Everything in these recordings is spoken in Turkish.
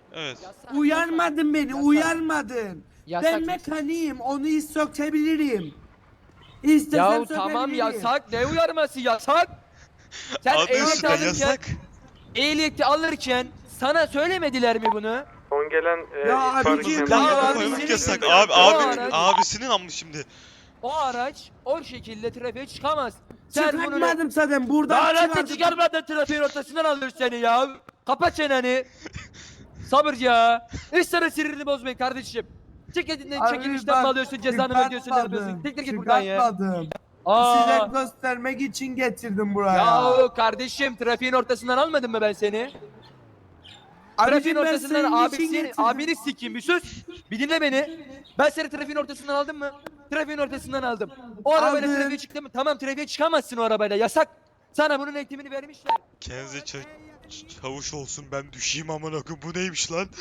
Evet. Uyarmadın beni, uyarmadın. Yasak. Ben mekaniğim, onu sökebilirim. İstesem Yahu sökebilirim. tamam yasak. Ne uyarması yasak? Sen Adı ehliyeti üstünde alırken, yasak. ehliyeti alırken sana söylemediler mi bunu? Son gelen Ya abicim, Yan Ya yana abi, koymak senin yasak. gibi- Abi O araç- abisinin amma şimdi. O araç o şekilde trafiğe çıkamaz. Sen bunu Çıkartmadım zaten, buradan lanet çıkardım. çıkarmadan trafiğin ortasından alır seni ya. Kapat çeneni. Sabır ya. Hiç sana sinirini bozmayın kardeşim. Çekilişten Abi çekilişten mi bak, alıyorsun, cezanı mı ödüyorsun, ne yapıyorsun? çıkartmadım, Tek tek git buradan ya. çıkartmadım. Aa. Size göstermek için getirdim buraya. Yahu kardeşim trafiğin ortasından almadım mı ben seni? Trafiğin Abicim ben ortasından senin için getirdim. abini sikeyim, bir sus. Bir dinle beni. Ben seni trafiğin ortasından aldım mı? Trafiğin ortasından aldım. O arabayla Aldın. trafiğe çıktın mı? Tamam, trafiğe çıkamazsın o arabayla, yasak. Sana bunun eğitimini vermişler. Kendinize çavuş olsun, ben düşeyim amına koyayım. Bu neymiş lan?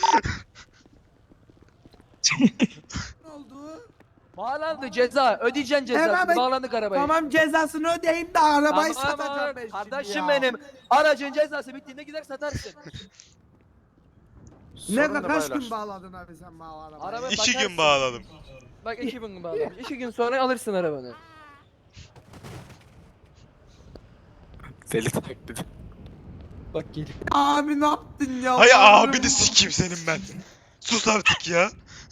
Ne oldu? Bağlandı, ceza. Ödeyeceksin cezasını. Hemen- Bağlandık arabaya. Tamam, cezasını ödeyeyim de arabayı Tamam, satacağım ben şimdi kardeşim ya. benim. Aracın cezası bittiğinde gider satarsın. Kaç gün bağladın abi sen bana arabayı? Araba- 2 bakarsın. gün bağladım. Bak 2 gün bağlamış. 2 gün sonra alırsın arabanı. Deli taklidi. Bak gelip. Abi ne yaptın ya? Hay Bağırırım. abi de sikeyim senin ben. Sus artık ya.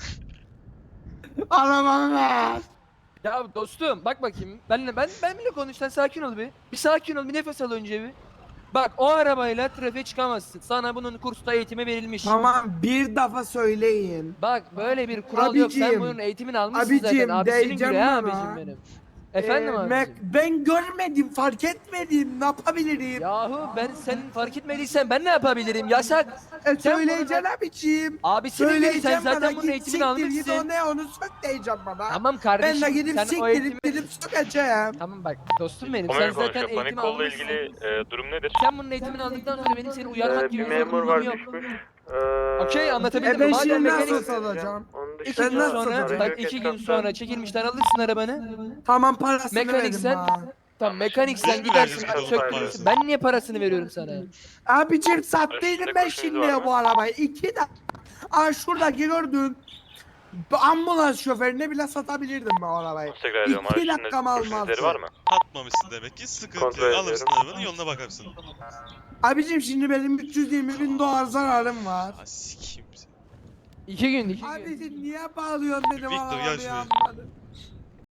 Arabamı ver. Ya dostum bak bakayım. Benimle konuş, sen sakin ol bir. Bir sakin ol, bir nefes al önce bir. Bak o arabayla trafiğe çıkamazsın. Sana bunun kursta eğitimi verilmiş. Tamam, bir defa söyleyin. Bak böyle bir kural yok. Sen Abicim, bunun eğitimini almışsın abicim, zaten. Abisinin diyeceğim göre ha bana. abicim benim. Efendim abicim. Ben görmedim, fark etmedim. Ne yapabilirim? Yahu ben senin fark etmediysen ben ne yapabilirim? Yasak. sen Söyleyeceksin abicim. Abisinin biri, sen Söyleyeceğim zaten bana, bunun git eğitimini siktir git, o almışsın. ne, onu sök diyeceğim bana. Tamam Ben kardeşim. de gidip sen o siktirip eğitimi... gidip sökeceğim. Tamam bak dostum benim. Ona Sen göre zaten konuşuyor. Panik eğitimi kolla almışsın. ilgili durum nedir? Sen bunun eğitimini aldıktan sonra benim seni uyarmak gibi Bir bir memur var zorunluluğum yok. düşmüş. Okey, anlatabildim mi? Ben Madem şimdi mekanik... nasıl satacağım? Onun 2 dışında gün nasıl sonra, satacağım? bak 2 gün sonra çekilmişten alırsın arabanı. Tamam, parasını Mekanik verin sen- bana. Tamam mekanik sen Biz mi gidersin vereceğiz söktürürsün. parasını? Ben niye parasını veriyorum sana? Abicim sattıydım ben Üstünde şimdi kurşunuz var ya mı? bu arabayı. 2 de... Aa, şuradaki gördün. Bu ambulans şoförüne bile satabilirdim ben o arabayı. tekrar ediyorum. 2 Üstünde dakikam kurşun izleri almazdı. var mı? Atmamışsın demek ki, sıkıntı Kontrol yok. ediyorum. Alırsın arabanı, yoluna bakarsın. Abicim şimdi benim 320.000 dolar zararım var. Ha sikeyim seni. 2 gün 2 gün. Abicim niye bağlıyorsun benim Victor, gel arabamı şuraya. yanmadı?